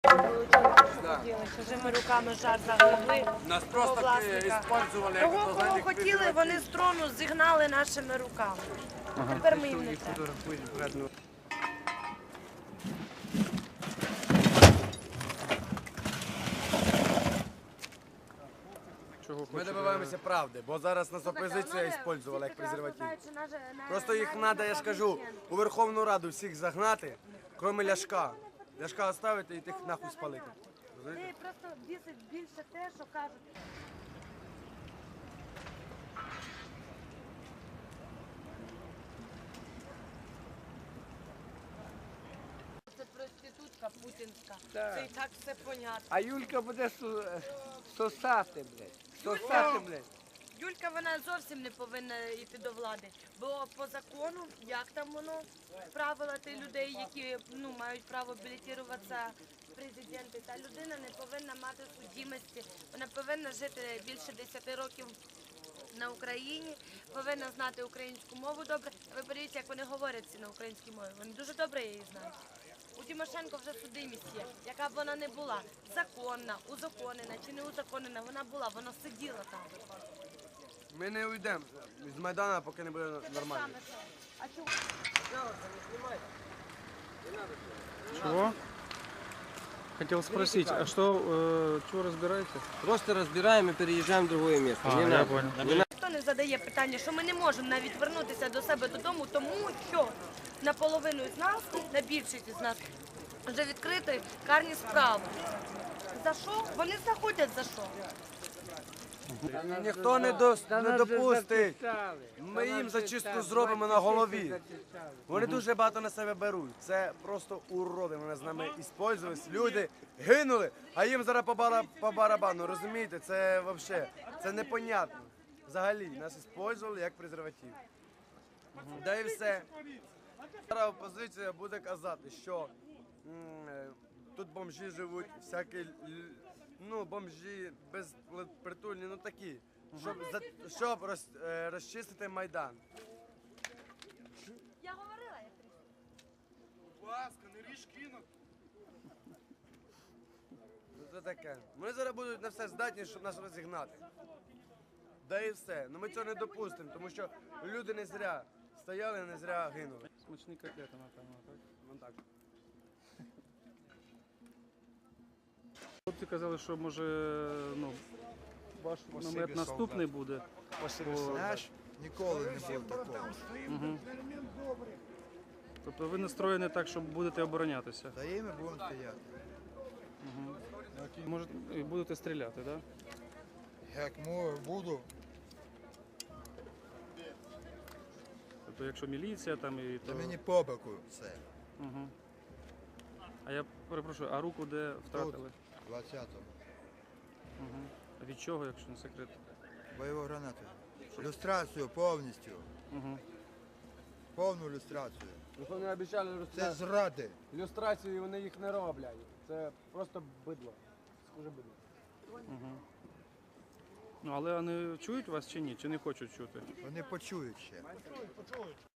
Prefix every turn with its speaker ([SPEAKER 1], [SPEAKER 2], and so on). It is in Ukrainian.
[SPEAKER 1] Чужими руками жар загребли.
[SPEAKER 2] Нас просто использовали.
[SPEAKER 1] Кого хотіли, вони з трону зігнали нашими руками. Тепер ми їм не треба.
[SPEAKER 2] Ми добиваємося правди, бо зараз нас опозиція використовувала як презерватив. Просто їх треба, я ж кажу, у Верховну Раду всіх загнати, крім Ляшка. Ляшка оставити і тих нахуй спалити.
[SPEAKER 1] Ти просто бісить більше те, що кажуть. Це проститутка путінська. Це і так все понятно.
[SPEAKER 3] А Юлька буде сосати, блядь. Сосати, блядь.
[SPEAKER 1] Юлька, вона зовсім не повинна йти до влади, бо по закону, як там воно, правила тих людей, які мають право балотуватися в президенти, та людина не повинна мати судимості, вона повинна жити більше 10 років на Україні, повинна знати українську мову добре. Ви подивіться, як вони говорять всі на українській мові, вони дуже добре її знають. У Тимошенко вже судимість є, яка б вона не була, законна, узаконена чи не узаконена, вона була, вона сиділа там.
[SPEAKER 2] Ми не уйдемо з Майдана, поки не буде нормально.
[SPEAKER 1] А чого?
[SPEAKER 4] Чего? Хотел спросить, а чего разбираете?
[SPEAKER 5] Просто разбираем и переезжаем в другое место.
[SPEAKER 4] А,
[SPEAKER 5] Не
[SPEAKER 4] я
[SPEAKER 5] надо.
[SPEAKER 4] понял.
[SPEAKER 1] Ніхто не задає питання, що ми не можемо навіть вернутися до себе додому, тому що наполовину з нас, на більшість з нас, вже відкриті карні справи. За що? Вони знаходять за що.
[SPEAKER 2] Ніхто не допустить. Ми їм зачистку зробимо на голові. Вони дуже багато на себе беруть. Це просто уроди. Вони з нами використовувалися. Люди гинули, а їм зараз по барабану. Розумієте? Це взагалі, це непонятно. Взагалі, нас використовували як презерватив. Да і все. Зараз опозиція буде казати, що тут бомжі живуть, всякі, бомжі безпритульні, такі, щоб розчистити Майдан.
[SPEAKER 1] Я говорила, я
[SPEAKER 2] Будь ласка, не ріж кинуть. Це таке. Вони зараз будуть на все здатні, щоб нас розігнати. Да і все. Ми цього не допустимо, тому що люди не зря стояли, не зря гинули.
[SPEAKER 4] Смачні котлети, напевно, так?
[SPEAKER 2] Вон так.
[SPEAKER 4] Хлопці казали, що може, ваш намет наступний буде.
[SPEAKER 6] Знаєш, ніколи не було такого.
[SPEAKER 4] Угу. Тобто ви настроєні так, що будете оборонятися.
[SPEAKER 6] Та і ми будемо стояти.
[SPEAKER 4] Угу. Може, і будете стріляти, так? Да?
[SPEAKER 6] Як буду,
[SPEAKER 4] Тобто, якщо міліція там і
[SPEAKER 6] то
[SPEAKER 4] то...
[SPEAKER 6] мені по боку все.
[SPEAKER 4] Угу. А я перепрошую, а руку де втратили?
[SPEAKER 6] 20-го.
[SPEAKER 4] Угу. А від чого, якщо не секрет?
[SPEAKER 6] Бойову гранату. Люстрацію повністю.
[SPEAKER 4] Угу.
[SPEAKER 6] Повну люстрацію.
[SPEAKER 2] Вони обіцяли
[SPEAKER 6] Це зради.
[SPEAKER 2] люстрацію, і вони їх не роблять. Це просто бидло. Схоже бидло.
[SPEAKER 4] Угу. Але вони чують вас чи ні? Чи не хочуть чути?
[SPEAKER 6] Вони почують ще.